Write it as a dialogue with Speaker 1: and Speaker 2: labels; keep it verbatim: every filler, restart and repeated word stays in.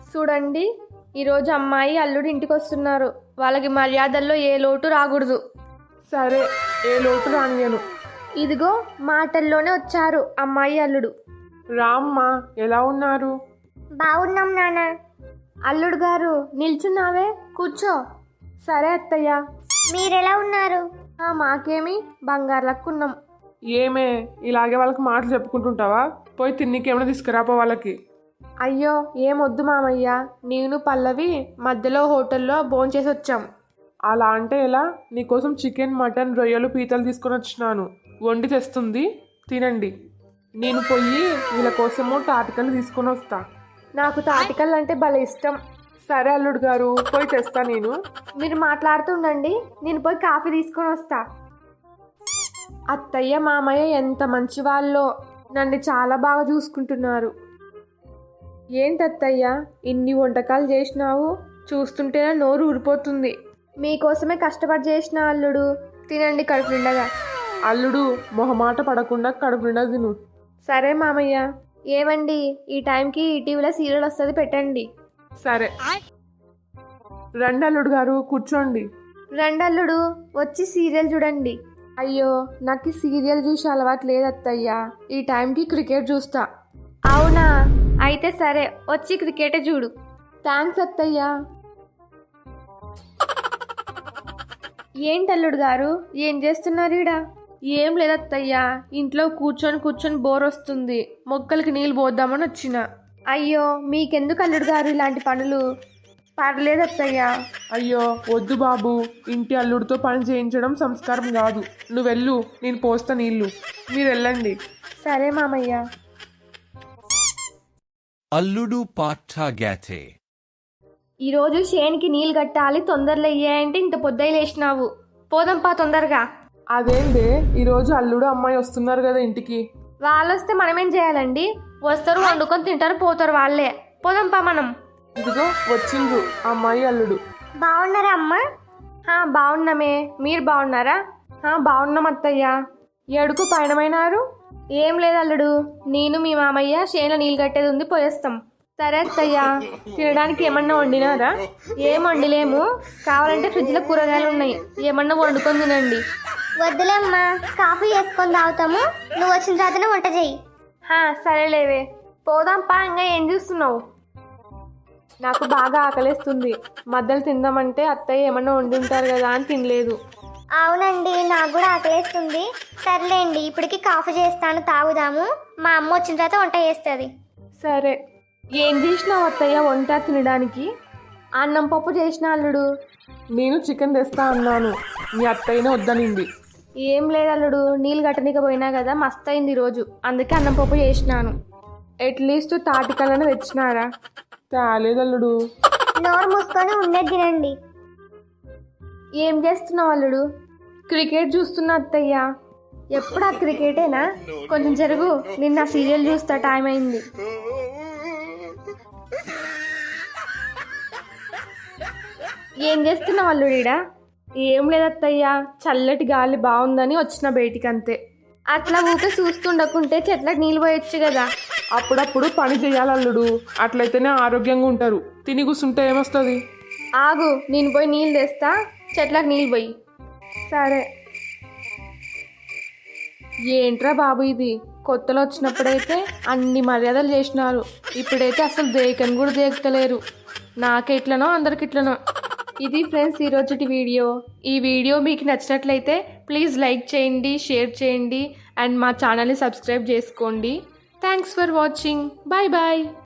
Speaker 1: చూడండి, ఈరోజు అమ్మాయి అల్లుడు ఇంటికి వస్తున్నారు. వాళ్ళకి మర్యాదల్లో ఏ లోటు రాకూడదు.
Speaker 2: సరే, ఏ లోటు రానియను.
Speaker 1: ఇదిగో మాటల్లోనే వచ్చారు అమ్మాయి అల్లుడు.
Speaker 2: రామ్మా, ఎలా ఉన్నారు?
Speaker 1: బాగున్నాం నాన్న. అల్లుడు గారు నిల్చున్నావే, కూర్చో. సరే అత్తయ్య. మీరెలా ఉన్నారు? మాకేమి బంగారు లక్కున్నాం.
Speaker 2: ఏమే, ఇలాగే వాళ్ళకి మాటలు చెప్పుకుంటుంటావా? పోయి తిన్నికేమైనా తీసుకురాపో వాళ్ళకి.
Speaker 1: అయ్యో ఏమొద్దు మామయ్య, నేను పల్లవి మధ్యలో హోటల్లో భోంచేసి వచ్చాం.
Speaker 2: అలా అంటే ఎలా? నీకోసం చికెన్, మటన్, రొయ్యలు, పీతలు తీసుకొని వచ్చినాను. వండి తెస్తుంది, తినండి. నేను పోయి వీళ్ళ కోసము తాటికలు తీసుకొని వస్తా.
Speaker 1: నాకు తాటికలు అంటే భలే ఇష్టం.
Speaker 2: సరే అల్లుడు గారు, పోయి తెస్తా నేను.
Speaker 1: మీరు మాట్లాడుతుండండి, నేను పోయి కాఫీ తీసుకొని వస్తా. అత్తయ్య మామయ్య ఎంత మంచి వాళ్ళో, నన్ను చాలా బాగా చూసుకుంటున్నారు. ఏంటి అత్తయ్య, ఇన్ని వంటకాలు చేసినావు? చూస్తుంటేనే నోరు ఊరిపోతుంది. మీకోసమే కష్టపడి చేసిన అల్లుడు, తినండి కడుపు నిండగా.
Speaker 2: అల్లుడు, మొహమాట పడకుండా కడుపు నిండా తిను.
Speaker 1: సరే మామయ్య. ఏమండి, ఈ టైంకి ఈటీవీలో సీరియల్ వస్తుంది, పెట్టండి.
Speaker 2: సరే. రండి అల్లుడు గారు, కూర్చోండి.
Speaker 1: రండి అల్లుడు, వచ్చి సీరియల్ చూడండి. అయ్యో, నాకు ఈ సీరియల్ చూసి అలవాటు లేదు అత్తయ్య. ఈ టైంకి క్రికెట్ చూస్తా. అవునా, అయితే సరే, వచ్చి క్రికెటే చూడు. థ్యాంక్స్ అత్తయ్య. ఏంటి అల్లుడు గారు, ఏం చేస్తున్నారు ఈడ? ఏం లేదత్తయ్య, ఇంట్లో కూర్చొని కూర్చొని బోర్ వస్తుంది, మొక్కలకి నీళ్ళు పోద్దామని వచ్చిన. అయ్యో, మీకెందుకు అల్లుడు గారు ఇలాంటి పనులు? పర్లేదు అత్తయ్య.
Speaker 2: అయ్యో వద్దు బాబు, ఇంటి అల్లుడితో పని చేయించడం సంస్కారం కాదు. నువ్వు వెళ్ళు, నేను పోస్తా నీళ్ళు. మీరు వెళ్ళండి.
Speaker 1: సరే మామయ్య.
Speaker 3: అల్లుడు పాఠాగాతే.
Speaker 1: ఈరోజు షేన్కి నీళ్ళు కట్టాలి, తొందరలో అయ్యాయంటే ఇంత పొద్దుయి లేచినావు. పోదంపా తొందరగా.
Speaker 2: అదేందే, ఈరోజు అల్లుడు అమ్మాయి వస్తున్నారు కదా ఇంటికి.
Speaker 1: వాళ్ళు వస్తే మనమేం చేయాలండి? వస్తారు, వండుకొని తింటారు, పోతారు వాళ్ళే. పోదంపా మనం.
Speaker 2: ఇదిగో వచ్చిండ్రు అమ్మాయి అల్లుడు.
Speaker 1: బాగున్నారా అమ్మా? బాగున్నామే, మీరు బాగున్నారా? బాగున్నాం అత్తయ్య. ఎడుకు పయనమైనారు? ఏం లేదు అల్లుడు, నేను మీ మామయ్య చేనులో నీళ్ళు కట్టేది ఉంది, పోయేస్తాం. సరే అత్తయ్య. తినడానికి ఏమన్నా వండినారా? ఏం వండిలేము, కావాలంటే ఫ్రిడ్జ్లో కూరగాయలు ఉన్నాయి, ఏమన్నా వండుకొని తినండి.
Speaker 4: వద్దులేమ్మా, కాఫీ చేసుకొని తాగుతాము, నువ్వు వచ్చిన తర్వాతనే వంట చెయ్యి.
Speaker 1: సరేలేవే, పోదాంపా. ఇంకా ఏం చూస్తున్నావు? నాకు బాగా ఆకలేస్తుంది, మధ్యలో తిందామంటే అత్తయ్య ఏమన్నా వండి ఉంటారు కదా అని తినలేదు.
Speaker 4: అవునండి, నాకు కూడా ఆకలేస్తుంది. సర్లేండి, ఇప్పటికి కాఫీ చేస్తాను, తాగుదాము. మా అమ్మ వచ్చిన తర్వాత వంట చేస్తుంది.
Speaker 1: సరే. ఏం చేసినావు అత్తయ్య వంట తినడానికి? అన్నం పప్పు చేసిన అల్లుడు.
Speaker 2: నేను చికెన్ తెస్తా అన్నాను, మీ అత్తయ్యనే వద్దనింది.
Speaker 1: ఏం లేదు అల్లుడు, నీళ్ళు కట్టనీకి పోయినా కదా, మస్తు అయింది ఈరోజు, అందుకే అన్నం పప్పు చేసినాను. అట్లీస్ట్ తాటికలను తెచ్చినారా?
Speaker 2: తేలేదు అల్లుడు.
Speaker 4: నోరు మూసుకొని ఉండేది తినండి.
Speaker 1: ఏం చేస్తున్నావు అల్లుడు? క్రికెట్ చూస్తున్నా అత్తయ్య. ఎప్పుడు ఆ క్రికెటేనా? కొంచెం జరుగు, నిన్న సీరియల్ చూస్తా, టైం అయింది. ఏం చేస్తున్నావు అల్లుడీడా? ఏం లేదత్తయ్య, చల్లటి గాలి బాగుందని వచ్చిన బయటికి, అంతే. అట్లా ఊకే చూస్తుండకుంటే చెట్లకు నీళ్ళు పోయొచ్చు కదా.
Speaker 2: అప్పుడప్పుడు పని చేయాలి అల్లుడు, అట్లయితేనే ఆరోగ్యంగా ఉంటారు. తిని కూర్చుంటే ఏమొస్తుంది?
Speaker 1: ఆగు, నేను పోయి నీళ్ళు తెస్తా, చెట్లకు నీళ్ళు పోయి. సరే. ఏంట్రా బాబు ఇది, కొత్తలో వచ్చినప్పుడైతే అన్ని మర్యాదలు చేసినారు, ఇప్పుడైతే అసలు దేకని కూడా దేకుతలేరు. నాకెట్లనో అందరికిట్లనో. ఇది ఫ్రెండ్స్ ఈరోజుటి వీడియో. ఈ వీడియో మీకు నచ్చినట్లయితే ప్లీజ్ లైక్ చేయండి, షేర్ చేయండి, అండ్ మా ఛానల్ని సబ్స్క్రైబ్ చేసుకోండి. Thanks for watching. Bye bye.